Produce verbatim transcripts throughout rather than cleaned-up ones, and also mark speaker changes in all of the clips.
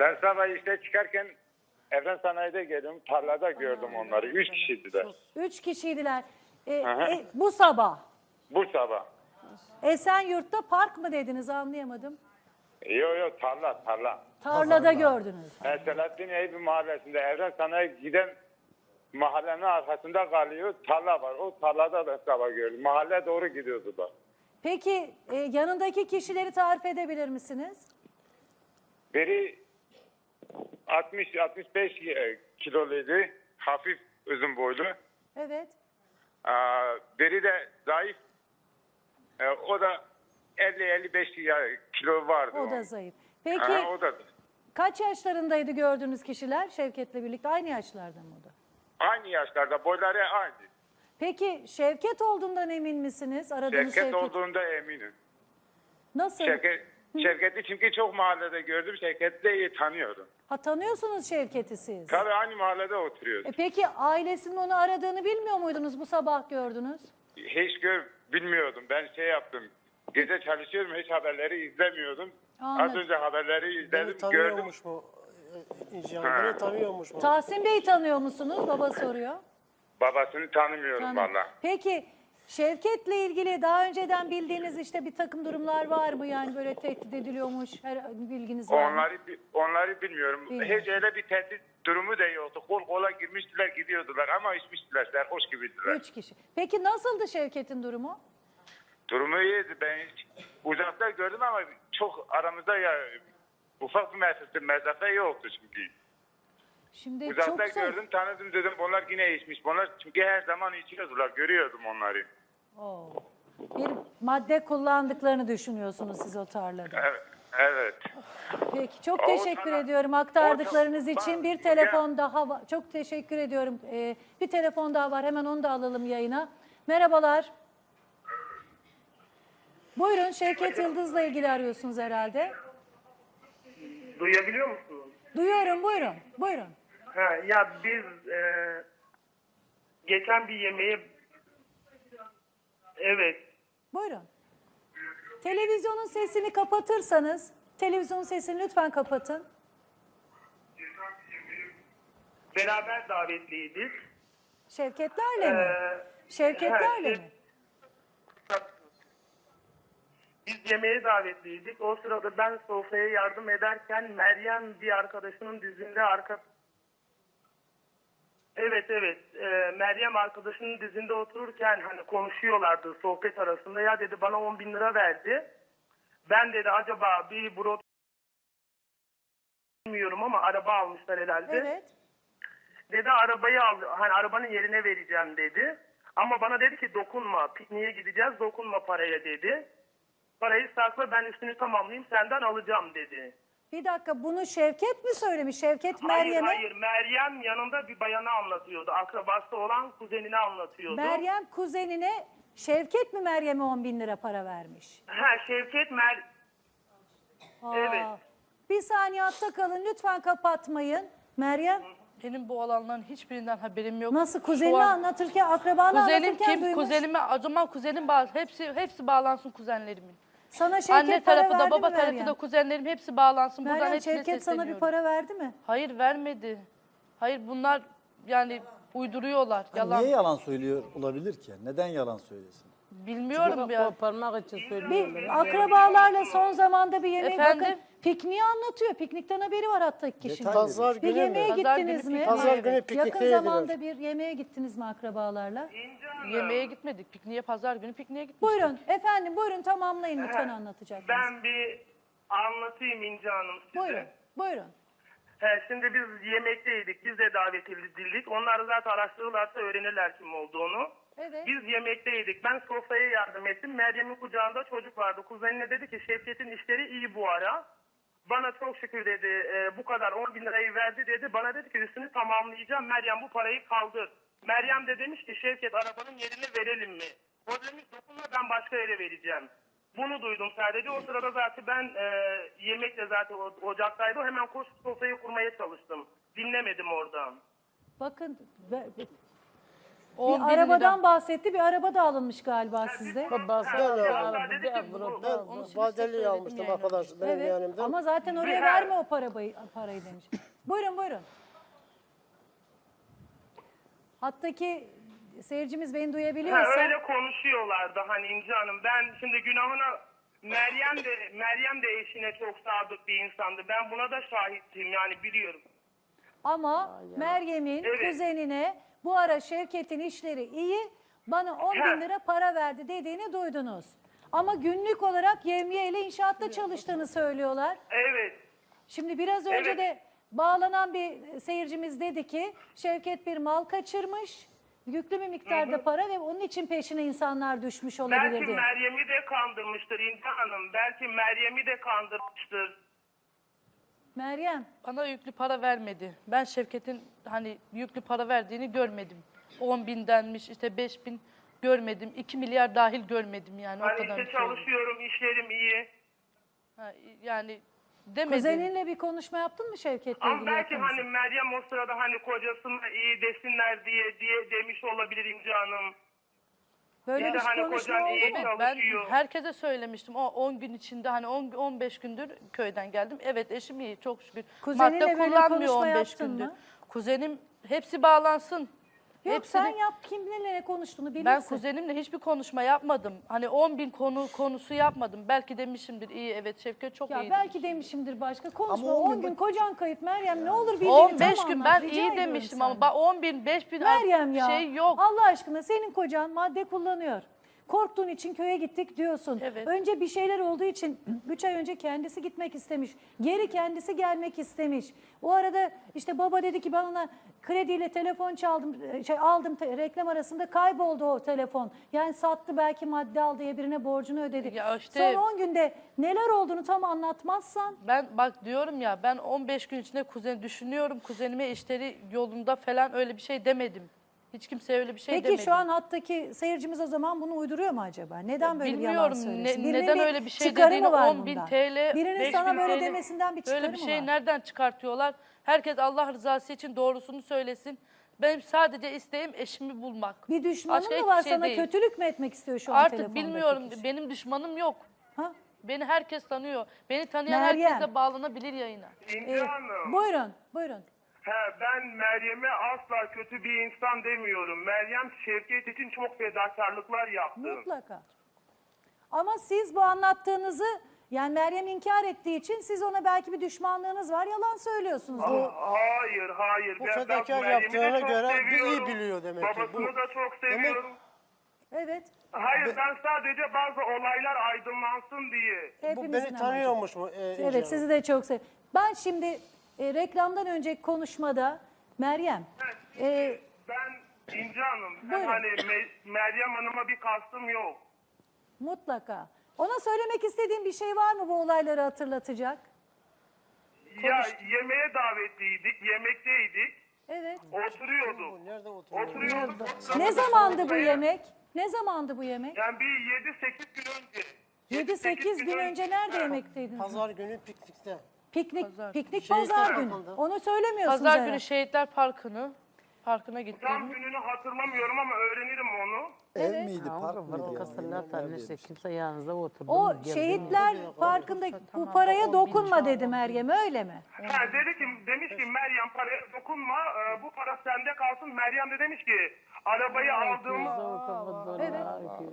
Speaker 1: Ben sabah işte çıkarken Evren Sanayi'de geldim. Tarlada gördüm onları. Üç kişiydiler.
Speaker 2: Üç kişiydiler. E,
Speaker 1: Aha.
Speaker 2: e, bu sabah.
Speaker 1: Bu sabah.
Speaker 2: Esenyurt'ta park mı dediniz, anlayamadım.
Speaker 1: Yok yok tarla tarla.
Speaker 2: Tarlada gördünüz.
Speaker 1: Ben Selahattin Eyüp mahallesinde Evren Sanayi giden mahallenin arkasında kalıyor. Tarla var. O tarlada da sabah gördüm. Mahalle doğru gidiyordular.
Speaker 2: Peki e, yanındaki kişileri tarif edebilir misiniz?
Speaker 1: Biri altmış altmış beş kiloluydu. Hafif uzun boylu.
Speaker 2: Evet.
Speaker 1: Aa, biri de zayıf. Ee, o da elli elli beş kilo vardı.
Speaker 2: O da
Speaker 1: onun.
Speaker 2: zayıf. Peki
Speaker 1: Aha, o da.
Speaker 2: kaç yaşlarındaydı gördüğünüz kişiler Şevket'le birlikte? Aynı yaşlarda mı o da?
Speaker 1: Aynı yaşlarda, boyları aynı.
Speaker 2: Peki Şevket olduğundan emin misiniz? Aradığınız
Speaker 1: Şevket,
Speaker 2: Şevket.
Speaker 1: olduğunda eminim.
Speaker 2: Nasıl?
Speaker 1: Şevket, Şevket'i çünkü çok mahallede gördüm. Şevket'i de iyi tanıyorum.
Speaker 2: Ha, tanıyorsunuz Şevket'i siz.
Speaker 1: Tabii aynı mahallede oturuyoruz.
Speaker 2: E peki ailesinin onu aradığını bilmiyor muydunuz, bu sabah gördünüz?
Speaker 1: Hiç gör, bilmiyordum. Ben şey yaptım. Gece çalışıyorum. Hiç haberleri izlemiyordum.
Speaker 2: Anladım.
Speaker 1: Az önce haberleri
Speaker 3: Beni
Speaker 1: izledim. Gördüm.
Speaker 3: tanıyormuş mu? İnci Hanım, beni tanıyormuş mu?
Speaker 2: Tahsin Bey tanıyor musunuz? Baba soruyor.
Speaker 1: Babasını tanımıyorum
Speaker 2: Tanı-
Speaker 1: valla.
Speaker 2: Peki Şevket'le ilgili daha önceden bildiğiniz işte bir takım durumlar var mı? Yani böyle tehdit ediliyormuş, her bilginiz var mı?
Speaker 1: Onları bi- onları bilmiyorum.
Speaker 2: Bilmiyorum.
Speaker 1: Hiç öyle bir tehdit durumu da yoktu. Kol kola girmiştiler, gidiyordular ama içmiştiler. Serhoş gibiydiler.
Speaker 2: Üç kişi. Peki nasıldı Şevket'in durumu?
Speaker 1: Durumu iyiydi. Ben hiç uzakta gördüm ama çok aramızda ya ufak bir mesafe, mesafe yoktu çünkü.
Speaker 2: Şimdi
Speaker 1: Uzakta
Speaker 2: çok zor.
Speaker 1: gördüm, tanıdım dedim. Onlar yine içmiş. Bunlar çünkü her zaman içiyordular. Görüyordum onları.
Speaker 2: Oo. Bir madde kullandıklarını düşünüyorsunuz siz o tarlada.
Speaker 1: Evet. Evet.
Speaker 2: Peki çok
Speaker 1: O
Speaker 2: teşekkür
Speaker 1: sana-
Speaker 2: ediyorum aktardıklarınız
Speaker 1: o-
Speaker 2: için.
Speaker 1: bak,
Speaker 2: Bir telefon daha var. Çok teşekkür ediyorum. Ee, bir telefon daha var. Hemen onu da alalım yayına. Merhabalar. Buyurun, Şevket Yıldız'la ilgili arıyorsunuz herhalde.
Speaker 4: Duyabiliyor musunuz?
Speaker 2: Duyuyorum, buyurun. Buyurun.
Speaker 4: Ha, ya biz e, geçen bir yemeğe evet
Speaker 2: Buyurun. Televizyonun sesini kapatırsanız, televizyonun sesini lütfen kapatın.
Speaker 4: beraber davetliydik.
Speaker 2: Şevketlerle mi?
Speaker 4: Ee,
Speaker 2: Şevketlerle
Speaker 4: evet,
Speaker 2: mi?
Speaker 4: Biz yemeğe davetliydik. O sırada ben sofraya yardım ederken Meryem bir arkadaşının dizinde arka Evet evet Ee, Meryem arkadaşının dizinde otururken hani konuşuyorlardı sohbet arasında, ya dedi bana on bin lira verdi. Ben dedi acaba bir bro bilmiyorum ama araba almışlar herhalde.
Speaker 2: Evet.
Speaker 4: Dedi arabayı al, hani arabanın yerine vereceğim dedi. Ama bana dedi ki dokunma, pikniğe gideceğiz, dokunma paraya dedi. Parayı sakla, ben üstünü tamamlayayım, senden alacağım dedi.
Speaker 2: Bir dakika, bunu Şevket mi söylemiş? Şevket
Speaker 4: Hayır
Speaker 2: Meryem'e.
Speaker 4: hayır, Meryem yanında bir bayanı anlatıyordu. Akrabası olan kuzenini anlatıyordu.
Speaker 2: Meryem kuzenine, Şevket mi Meryem'e on bin lira para vermiş?
Speaker 4: Ha, Şevket Mer...
Speaker 2: Aa,
Speaker 4: Evet.
Speaker 2: Bir saniye hatta kalın, lütfen kapatmayın. Meryem
Speaker 5: Benim bu olanların hiçbirinden haberim yok.
Speaker 2: nasıl
Speaker 5: Şu
Speaker 2: kuzenini
Speaker 5: an
Speaker 2: anlatırken, akrabanı
Speaker 5: kuzenim
Speaker 2: anlatırken
Speaker 5: kim?
Speaker 2: duymuş.
Speaker 5: Kuzenime, acaba kuzenim bağ, hepsi hepsi bağlansın kuzenlerimin.
Speaker 2: Sana Şevket
Speaker 5: Anne
Speaker 2: para
Speaker 5: tarafı da
Speaker 2: verdi
Speaker 5: baba
Speaker 2: mi
Speaker 5: tarafı
Speaker 2: Meryem?
Speaker 5: da kuzenlerim hepsi bağlansın. Buradan
Speaker 2: Meryem,
Speaker 5: hepsine
Speaker 2: Şevket sana bir
Speaker 5: sesleniyorum.
Speaker 2: para verdi mi?
Speaker 5: Hayır vermedi. Hayır bunlar yani uyduruyorlar. Yalan.
Speaker 6: Niye yalan söylüyor olabilir ki? Neden yalan söylesin?
Speaker 5: Bilmiyorum ya.
Speaker 7: Koparmak için söylüyorum.
Speaker 2: Bir akrabalarla son zamanda bir yemeğe
Speaker 5: Efendim?
Speaker 2: bakın. Pikniği anlatıyor. Piknikten haberi var hatta kişinin.
Speaker 6: Detay
Speaker 3: Pazar
Speaker 2: Bir
Speaker 3: günü
Speaker 2: yemeğe
Speaker 3: mü?
Speaker 5: Pazar
Speaker 2: gittiniz
Speaker 5: günü
Speaker 2: mi?
Speaker 3: Pazar günü
Speaker 2: Yakın
Speaker 3: pikniğe
Speaker 2: zamanda
Speaker 3: gidiyoruz.
Speaker 2: bir yemeğe gittiniz mi akrabalarla?
Speaker 5: Yemeğe gitmedik. Pikniğe pazar günü pikniğe gitmiştik.
Speaker 2: Buyurun efendim, buyurun tamamlayın lütfen anlatacaksınız.
Speaker 4: Ben bir anlatayım İnci Hanım size.
Speaker 2: Buyurun, buyurun.
Speaker 4: He, şimdi biz yemekteydik, biz de davet edildik. Onlar zaten araştırırlarsa öğrenirler kim olduğunu.
Speaker 2: Evet.
Speaker 4: Biz yemekteydik. Ben sofraya yardım ettim. Meryem'in kucağında çocuk vardı. Kuzenine dedi ki Şevket'in işleri iyi bu ara. Bana çok şükür dedi e, bu kadar on bin lirayı verdi dedi. Bana dedi ki üstünü tamamlayacağım. Meryem bu parayı kaldır. Meryem de demiş ki Şevket arabanın yerini verelim mi? O demiş dokunma, ben başka yere vereceğim. Bunu duydum sadece. O sırada zaten ben e, yemekle zaten o- ocaktaydı. Hemen koşup sofrayı kurmaya çalıştım. Dinlemedim oradan.
Speaker 2: Bakın be- be-
Speaker 5: on
Speaker 2: Bir
Speaker 5: bin
Speaker 2: arabadan
Speaker 5: lira.
Speaker 2: bahsetti. Bir araba da alınmış galiba sizde.
Speaker 3: Ben
Speaker 4: Ya,
Speaker 3: de
Speaker 4: ya, dedi ki bu-
Speaker 3: ben
Speaker 5: Onu size
Speaker 3: vadeli
Speaker 5: söyledim
Speaker 3: almıştım
Speaker 5: yayına.
Speaker 3: arkadaş benim
Speaker 2: Evet.
Speaker 3: yanımdan.
Speaker 2: Ama zaten oraya
Speaker 4: Bir-
Speaker 2: verme o parabayı, parayı demiş. Buyurun buyurun. Hattaki seyircimiz beni
Speaker 4: Ha,
Speaker 2: duyabiliyorsa.
Speaker 4: öyle konuşuyorlardı hani İnci Hanım. Ben şimdi günahına Meryem de Meryem de eşine çok sadık bir insandı. Ben buna da şahittim yani biliyorum.
Speaker 2: Ama Meryem'in
Speaker 4: Evet.
Speaker 2: kuzenine bu ara Şevket'in işleri iyi, bana on
Speaker 4: Ha.
Speaker 2: bin lira para verdi dediğini duydunuz. Ama günlük olarak Yevmiye ile inşaatta çalıştığını söylüyorlar.
Speaker 4: Evet.
Speaker 2: Şimdi biraz önce
Speaker 4: Evet.
Speaker 2: de bağlanan bir seyircimiz dedi ki Şevket bir mal kaçırmış, yüklü bir miktarda para ve onun için peşine insanlar düşmüş olabilir
Speaker 4: Belki
Speaker 2: diye.
Speaker 4: Meryem'i de kandırmıştır İnci Hanım. Belki Meryem'i de kandırmıştır.
Speaker 2: Meryem,
Speaker 5: Bana yüklü para vermedi. Ben Şevket'in hani yüklü para verdiğini görmedim. on bindenmiş işte beş bin görmedim. iki milyar dahil görmedim yani o
Speaker 4: Hani
Speaker 5: kadar.
Speaker 4: işte çalışıyorum, işlerim iyi.
Speaker 5: Ha, yani demedim.
Speaker 2: kuzeninle bir konuşma yaptın mı Şevket'le
Speaker 4: Ama
Speaker 2: ilgili?
Speaker 4: belki
Speaker 2: yakınızda?
Speaker 4: hani Meryem o sırada hani kocasına iyi desinler diye diye demiş olabilir İnci Hanım.
Speaker 2: Böyle
Speaker 4: Ya
Speaker 2: bir
Speaker 4: da hani
Speaker 2: konuşma
Speaker 4: kocan
Speaker 2: oldu
Speaker 4: iyi
Speaker 2: mu?
Speaker 5: Evet, ben
Speaker 4: çalışıyor.
Speaker 5: herkese söylemiştim. O on gün içinde hani on on beş gündür köyden geldim. Evet eşim iyi çok şükür.
Speaker 2: Kuzeninle
Speaker 5: Madde
Speaker 2: böyle
Speaker 5: kullanmıyor
Speaker 2: konuşma
Speaker 5: on beş
Speaker 2: yaptın
Speaker 5: gündür.
Speaker 2: mı?
Speaker 5: Kuzenim hepsi bağlansın.
Speaker 2: Yok
Speaker 5: Hepsini-
Speaker 2: sen yap kiminle ne konuştuğunu bilirsin.
Speaker 5: Ben kuzenimle hiçbir konuşma yapmadım. Hani on bin konu konusu yapmadım. Belki demişimdir iyi evet Şevket çok
Speaker 2: Ya
Speaker 5: iyi.
Speaker 2: belki demişimdir başka. Konuşma
Speaker 6: Ama on
Speaker 2: on
Speaker 6: gün
Speaker 2: gün kocan kayıp Meryem ne olur bildiğini
Speaker 5: on beş
Speaker 2: tam
Speaker 5: gün
Speaker 2: anlat,
Speaker 5: ben
Speaker 2: rica
Speaker 5: iyi
Speaker 2: ediyorum
Speaker 5: demiştim ama
Speaker 2: senden.
Speaker 5: bak on bin beş bin
Speaker 2: Meryem ya
Speaker 5: şey yok.
Speaker 2: Allah aşkına senin kocan madde kullanıyor. Korktuğun için köye gittik diyorsun.
Speaker 5: Evet.
Speaker 2: Önce bir şeyler olduğu için üç ay önce kendisi gitmek istemiş. Geri kendisi gelmek istemiş. O arada işte baba dedi ki ben ona krediyle telefon çaldım, şey aldım te- reklam arasında kayboldu o telefon. Yani sattı belki madde aldı diye birine borcunu ödedi.
Speaker 5: Ya işte-
Speaker 2: Son on günde neler olduğunu tam anlatmazsan
Speaker 5: Ben bak diyorum ya ben on beş gün içinde kuzen düşünüyorum. Kuzenime işleri yolunda falan öyle bir şey demedim. Hiç kimseye öyle bir şey
Speaker 2: Peki
Speaker 5: demedim.
Speaker 2: şu an hattaki seyircimiz o zaman bunu uyduruyor mu acaba? Neden böyle bir yalan
Speaker 5: Bilmiyorum
Speaker 2: söylesin?
Speaker 5: ne-
Speaker 2: Birinin
Speaker 5: neden
Speaker 2: bir
Speaker 5: öyle bir şey
Speaker 2: çıkarı mı
Speaker 5: dediğini
Speaker 2: var
Speaker 5: on bin
Speaker 2: bundan?
Speaker 5: T L
Speaker 2: Birinin
Speaker 5: beş
Speaker 2: sana
Speaker 5: bin
Speaker 2: böyle
Speaker 5: T L
Speaker 2: demesinden bir çıkarı
Speaker 5: böyle bir
Speaker 2: mı
Speaker 5: şey
Speaker 2: var?
Speaker 5: nereden çıkartıyorlar? Herkes Allah rızası için doğrusunu söylesin. Benim sadece isteğim eşimi bulmak.
Speaker 2: Bir düşmanın
Speaker 5: Başka
Speaker 2: mı
Speaker 5: hiçbir
Speaker 2: var
Speaker 5: şey
Speaker 2: sana
Speaker 5: değil.
Speaker 2: kötülük mü etmek istiyor şu an
Speaker 5: Artık
Speaker 2: telefondaki
Speaker 5: bilmiyorum
Speaker 2: kişi?
Speaker 5: benim düşmanım yok.
Speaker 2: Ha?
Speaker 5: Beni herkes tanıyor. Beni tanıyan
Speaker 2: Meryem.
Speaker 5: herkes de bağlanabilir yayına.
Speaker 4: İnci
Speaker 2: Ee,
Speaker 4: Hanım.
Speaker 2: buyurun, buyurun.
Speaker 4: He, ben Meryem'e asla kötü bir insan demiyorum. Meryem Şevket için çok fedakarlıklar yaptı.
Speaker 2: Mutlaka. Ama siz bu anlattığınızı yani Meryem inkar ettiği için siz ona belki bir düşmanlığınız var. Yalan söylüyorsunuz. Bu
Speaker 4: Hayır, hayır.
Speaker 3: Bu
Speaker 4: Ben- ben
Speaker 3: fedakar
Speaker 4: Meryem'i de
Speaker 3: yaptığına
Speaker 4: çok
Speaker 3: göre bir iyi
Speaker 4: seviyorum.
Speaker 3: biliyor demek ki.
Speaker 4: Babasını
Speaker 3: Bu-
Speaker 4: da çok
Speaker 3: Demek-
Speaker 4: seviyorum.
Speaker 2: evet.
Speaker 4: Hayır, ben sadece bazı olaylar aydınlansın diye.
Speaker 3: Bu
Speaker 2: Hepimizin
Speaker 3: beni
Speaker 2: amacı.
Speaker 3: tanıyormuş mu? E, İnci
Speaker 2: Evet
Speaker 3: Hanım?
Speaker 2: sizi de çok seviyorum. Ben şimdi e, reklamdan önceki konuşmada Meryem e,
Speaker 4: Ben İnci Hanım, ben
Speaker 2: Buyurun.
Speaker 4: hani Me- Meryem Hanım'a bir kastım yok.
Speaker 2: mutlaka. Ona söylemek istediğin bir şey var mı bu olayları hatırlatacak?
Speaker 4: Ya yemeğe davetliydik, yemekteydik,
Speaker 2: Evet.
Speaker 4: oturuyorduk.
Speaker 3: Bu nerede oturuyor?
Speaker 4: Oturuyorduk.
Speaker 2: Ne zamandı bu yemek? Ne zamandı bu yemek?
Speaker 4: Yani bir yedi sekiz gün önce.
Speaker 2: yedi sekiz gün önce nerede yemekteydiniz?
Speaker 3: Pazar günü piknikte.
Speaker 2: Piknik,
Speaker 5: Pazar.
Speaker 2: piknik
Speaker 3: Şehitler
Speaker 2: pazar günü.
Speaker 3: Parkı'nda.
Speaker 2: Onu söylemiyorsunuz
Speaker 5: Pazar
Speaker 2: herhalde.
Speaker 5: günü Şehitler Parkı'nı Parkı'na
Speaker 4: Tam
Speaker 5: gittim.
Speaker 4: gününü hatırlamıyorum ama öğrenirim onu.
Speaker 6: Ev miydi,
Speaker 7: Ha,
Speaker 6: park
Speaker 7: o
Speaker 6: mıydı?
Speaker 7: zaman
Speaker 6: yani?
Speaker 7: kasırlar
Speaker 6: Neredeymiş?
Speaker 7: işte kimse yanınızda oturdu.
Speaker 2: O
Speaker 7: mu, geldi mi?
Speaker 2: şehitler parkında bu paraya dokunma dedi Meryem öyle mi?
Speaker 4: Ha, dedi ki, demiş ki Meryem paraya dokunma, e, bu para sende kalsın. Meryem de demiş ki arabayı aldığımız
Speaker 2: Evet.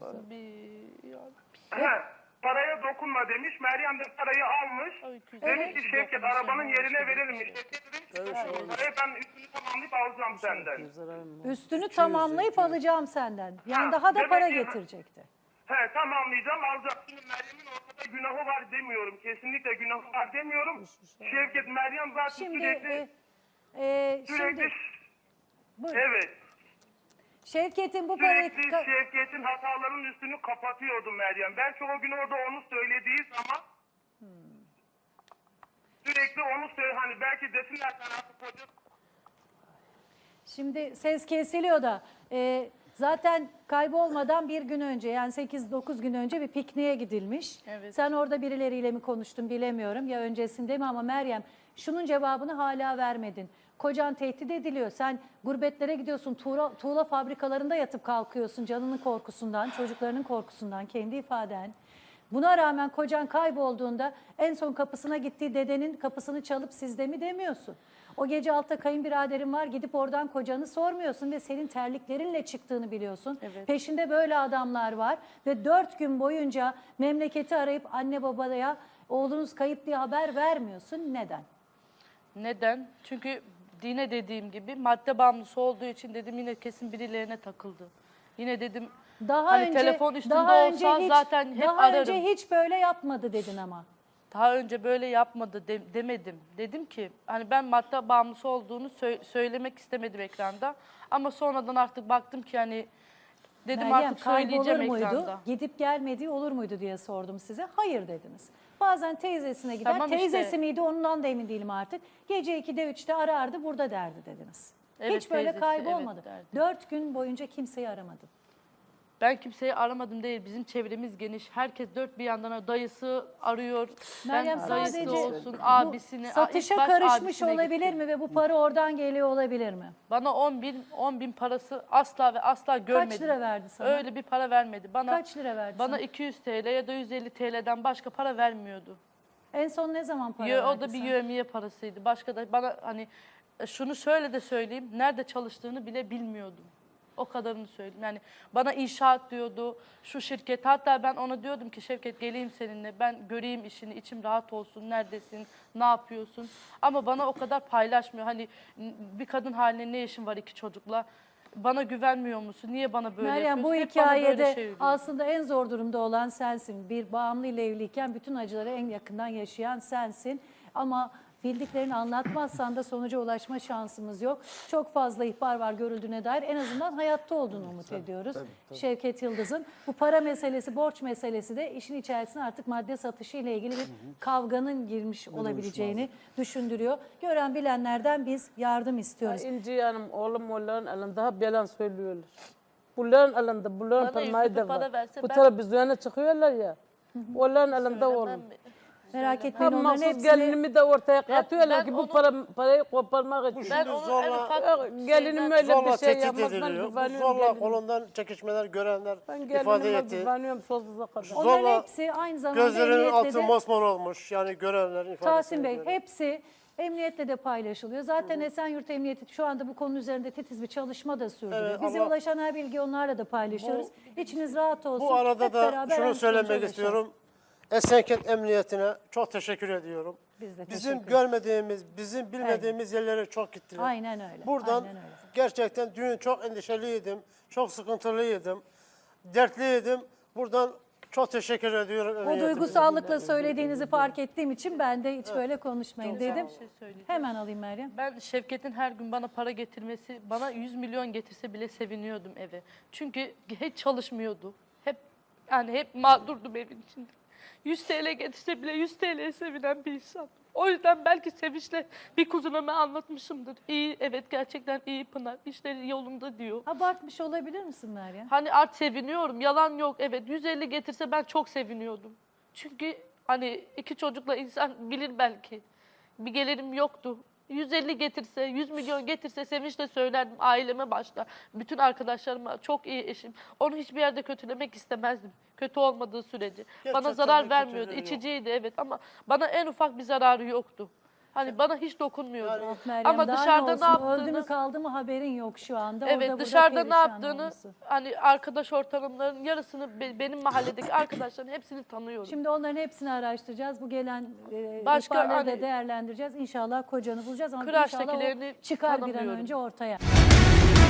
Speaker 4: He, paraya dokunma demiş. Meryem de parayı almış.
Speaker 5: Ay, güzel.
Speaker 4: Demiş ki Şevket arabanın yerine verelim. Şevket de demiş ki parayı ben üstünü tamamlayıp alacağım senden.
Speaker 2: Üstünü tamamlayıp alacağım senden. Yani
Speaker 4: Ha,
Speaker 2: daha da
Speaker 4: demek
Speaker 2: para
Speaker 4: ki-
Speaker 2: getirecekti.
Speaker 4: He, tamamlayacağım alacağım. Şimdi Meryem'in ortada günahı var demiyorum. Kesinlikle günahı var demiyorum. Şevket, Meryem zaten
Speaker 2: Şimdi
Speaker 4: sürekli
Speaker 2: e, e,
Speaker 4: sürekli
Speaker 2: şimdi buyurun.
Speaker 4: evet.
Speaker 2: Şevket'in bu parayı
Speaker 4: Sürekli
Speaker 2: ka-
Speaker 4: Şevket'in hatalarının üstünü kapatıyordu Meryem. Belki o gün orada onu söylediği zaman sürekli onu söyle hani belki desinler sen artık koca
Speaker 2: şimdi ses kesiliyor da e, Zaten kaybolmadan bir gün önce yani sekiz dokuz gün önce bir pikniğe gidilmiş.
Speaker 5: Evet.
Speaker 2: Sen orada birileriyle mi konuştun bilemiyorum ya öncesinde mi ama Meryem şunun cevabını hala vermedin. Kocan tehdit ediliyor. Sen gurbetlere gidiyorsun. Tuğla, tuğla fabrikalarında yatıp kalkıyorsun canının korkusundan, çocuklarının korkusundan, kendi ifaden. Buna rağmen kocan kaybolduğunda en son kapısına gittiği dedenin kapısını çalıp sizde mi demiyorsun. O gece altta kayınbiraderin var gidip oradan kocanı sormuyorsun ve senin terliklerinle çıktığını biliyorsun.
Speaker 5: Evet.
Speaker 2: Peşinde böyle adamlar var ve dört gün boyunca memleketi arayıp anne babaya oğlunuz kayıp diye haber vermiyorsun. Neden?
Speaker 5: Neden? Çünkü dine dediğim gibi madde bağımlısı olduğu için dedim yine kesin birilerine takıldı. Yine dedim
Speaker 2: Daha
Speaker 5: hani
Speaker 2: önce
Speaker 5: telefon üstünde
Speaker 2: daha
Speaker 5: olsa
Speaker 2: önce hiç,
Speaker 5: zaten hep
Speaker 2: daha
Speaker 5: ararım.
Speaker 2: önce hiç böyle yapmadı dedin ama.
Speaker 5: Daha önce böyle yapmadı de- demedim. Dedim ki hani ben madde bağımlısı olduğunu sö- söylemek istemedim ekranda. Ama sonradan artık baktım ki hani dedim
Speaker 2: Meryem
Speaker 5: artık söyleyeceğim
Speaker 2: kaybolur muydu?
Speaker 5: ekranda.
Speaker 2: Gidip gelmediği olur muydu diye sordum size. Hayır dediniz. Bazen teyzesine gider.
Speaker 5: Tamam
Speaker 2: Teyzesi
Speaker 5: işte.
Speaker 2: miydi ondan da emin değilim artık. Gece ikide üçte arardı burada derdi dediniz.
Speaker 5: Evet,
Speaker 2: Hiç böyle
Speaker 5: teyzesi,
Speaker 2: kaybolmadı.
Speaker 5: evet derdi.
Speaker 2: Dört gün boyunca kimseyi aramadın.
Speaker 5: Ben kimseyi aramadım değil. Bizim çevremiz geniş. Herkes dört bir yandan dayısı arıyor.
Speaker 2: Meryem
Speaker 5: Ben dayısı
Speaker 2: sadece
Speaker 5: olsun,
Speaker 2: bu
Speaker 5: abisini.
Speaker 2: satışa
Speaker 5: ilk baş
Speaker 2: karışmış
Speaker 5: abisine
Speaker 2: olabilir
Speaker 5: gittim.
Speaker 2: mi ve bu para oradan geliyor olabilir mi?
Speaker 5: Bana on bin, on bin parası asla ve asla görmedim.
Speaker 2: lira verdi sana?
Speaker 5: Öyle bir para vermedi. Bana,
Speaker 2: Kaç lira verdi
Speaker 5: Bana
Speaker 2: sana?
Speaker 5: iki yüz TL ya da yüz elli TL'den başka para vermiyordu.
Speaker 2: En son ne zaman para
Speaker 5: Yo-
Speaker 2: verdi
Speaker 5: o da bir
Speaker 2: sana?
Speaker 5: yövmiye parasıydı. Başka da bana hani e, şunu şöyle de söyleyeyim. Nerede çalıştığını bile bilmiyordum. O kadarını söyleyeyim. Yani bana inşaat diyordu, şu şirket. Hatta ben ona diyordum ki Şevket geleyim seninle. Ben göreyim işini, içim rahat olsun. Neredesin, ne yapıyorsun? Ama bana o kadar paylaşmıyor. Hani n- bir kadın haline ne işin var iki çocukla? Bana güvenmiyor musun? Niye bana böyle
Speaker 2: Meryem bu
Speaker 5: yapıyorsun? Hep bana böyle
Speaker 2: hikayede
Speaker 5: şey söylüyor.
Speaker 2: aslında en zor durumda olan sensin. Bir bağımlı ile evliyken bütün acıları en yakından yaşayan sensin. Ama bildiklerini anlatmazsan da sonuca ulaşma şansımız yok. Çok fazla ihbar var görüldüğüne dair. En azından hayatta olduğunu umut ediyoruz. Şevket Yıldız'ın. Bu para meselesi, borç meselesi de işin içerisine artık madde satışı ile ilgili bir kavganın girmiş olabileceğini düşündürüyor. Gören bilenlerden biz yardım istiyoruz.
Speaker 7: İnci Hanım oğlum onların elinde hep yalan söylüyorlar. Bunların elinde, bunların
Speaker 5: Bana
Speaker 7: parmağı
Speaker 5: yüzlü
Speaker 7: da
Speaker 5: para
Speaker 7: var.
Speaker 5: verse
Speaker 7: Bu
Speaker 5: ben-
Speaker 7: televizyona çıkıyorlar ya. Onların elinde
Speaker 5: Söylemem
Speaker 7: oğlum.
Speaker 5: mi?
Speaker 2: Merak
Speaker 7: Ha
Speaker 2: etmeyin onların
Speaker 7: mahsus
Speaker 2: hepsini...
Speaker 7: gelinimi de ortaya katıyorlar
Speaker 5: ben
Speaker 7: ki bu
Speaker 5: onu-
Speaker 7: para, parayı koparmak için.
Speaker 5: Ben
Speaker 3: Şimdi
Speaker 5: onu en
Speaker 3: zorla-
Speaker 5: ufak
Speaker 7: Ya, gelinim
Speaker 5: şeyden-
Speaker 7: öyle
Speaker 3: Zorla
Speaker 7: bir şey
Speaker 3: tehdit
Speaker 7: yapmaz. Ben
Speaker 3: ediliyor. Bu
Speaker 7: güveniyorum
Speaker 3: zorla
Speaker 7: gelinime.
Speaker 3: kolundan çekişmeler görenler
Speaker 7: Ben
Speaker 3: ifade
Speaker 7: gelinime
Speaker 3: etti.
Speaker 7: güveniyorum sonsuza kadar.
Speaker 2: Onların
Speaker 3: Zorla
Speaker 2: hepsi aynı zamanda
Speaker 3: Gözlerinin
Speaker 2: emniyetle
Speaker 3: altı
Speaker 2: de...
Speaker 3: mosmor olmuş. Yani görenlerin ifadesine
Speaker 2: Tahsin Bey
Speaker 3: göre.
Speaker 2: hepsi emniyetle de paylaşılıyor. Zaten Esenyurt Emniyeti şu anda bu konu üzerinde titiz bir çalışma da sürdürüyor.
Speaker 3: Evet,
Speaker 2: Bize
Speaker 3: ama-
Speaker 2: ulaşan her bilgi onlarla da paylaşıyoruz. İçiniz rahat olsun.
Speaker 3: Bu arada
Speaker 2: Hep
Speaker 3: da
Speaker 2: beraber
Speaker 3: şunu
Speaker 2: en
Speaker 3: söylemek
Speaker 2: sonuca
Speaker 3: istiyorum. Esenkent Emniyetine çok teşekkür ediyorum.
Speaker 2: Biz de
Speaker 3: Bizim
Speaker 2: teşekkür
Speaker 3: görmediğimiz, bizim bilmediğimiz yerlere çok gittiler.
Speaker 2: Aynen öyle,
Speaker 3: Buradan
Speaker 2: aynen öyle.
Speaker 3: gerçekten dün çok endişeliydim, çok sıkıntılıydım, dertliydim. Buradan çok teşekkür ediyorum.
Speaker 2: O
Speaker 3: emniyetimize.
Speaker 2: duygusallıkla söylediğinizi fark ettiğim için ben de hiç böyle konuşmayın
Speaker 5: Çok güzel
Speaker 2: dedim.
Speaker 5: bir şey söyleyeceğim.
Speaker 2: Hemen alayım Meryem.
Speaker 5: Ben Şevket'in her gün bana para getirmesi, bana yüz milyon getirse bile seviniyordum eve. Çünkü hiç çalışmıyordu. Hep yani hep mağdurdum evin içinde. yüz TL getirse bile yüz TL'ye sevinen bir insan. O yüzden belki sevinçle bir kuzunama anlatmışımdır. İyi, evet gerçekten iyi Pınar, işleri yolunda diyor.
Speaker 2: Abartmış olabilir misin Meryem?
Speaker 5: Hani art seviniyorum, yalan yok. Evet yüz elli getirse ben çok seviniyordum. Çünkü hani iki çocukla insan bilir belki. Bir gelirim yoktu. yüz elli getirse, yüz milyon getirse sevinçle söylerdim aileme başta. Bütün arkadaşlarıma çok iyi eşim. Onu hiçbir yerde kötülemek istemezdim. Kötü olmadığı sürece. Bana
Speaker 3: Gerçekten
Speaker 5: zarar
Speaker 3: bir
Speaker 5: vermiyordu.
Speaker 3: kötülüğü yok.
Speaker 5: İçiciydi evet ama bana en ufak bir zararı yoktu. Hani bana hiç dokunmuyordu.
Speaker 2: Ah Meryem,
Speaker 5: Ama
Speaker 2: daha
Speaker 5: dışarıda
Speaker 2: ne
Speaker 5: ne
Speaker 2: olsun? Öldü
Speaker 5: yaptığını...
Speaker 2: mü kaldı mı haberin yok şu anda. Orada
Speaker 5: Evet
Speaker 2: burada
Speaker 5: dışarıda ne
Speaker 2: perişan
Speaker 5: yaptığını
Speaker 2: olmuşsun.
Speaker 5: hani arkadaş ortamlarının yarısını be- benim mahalledeki arkadaşların hepsini tanıyorum.
Speaker 2: Şimdi onların hepsini araştıracağız. Bu gelen e,
Speaker 5: Başka
Speaker 2: ihbarları da
Speaker 5: hani-
Speaker 2: değerlendireceğiz. İnşallah kocanı bulacağız ama
Speaker 5: Kıraçtakilerini
Speaker 2: inşallah o çıkar bir an
Speaker 5: tanımıyorum.
Speaker 2: önce ortaya.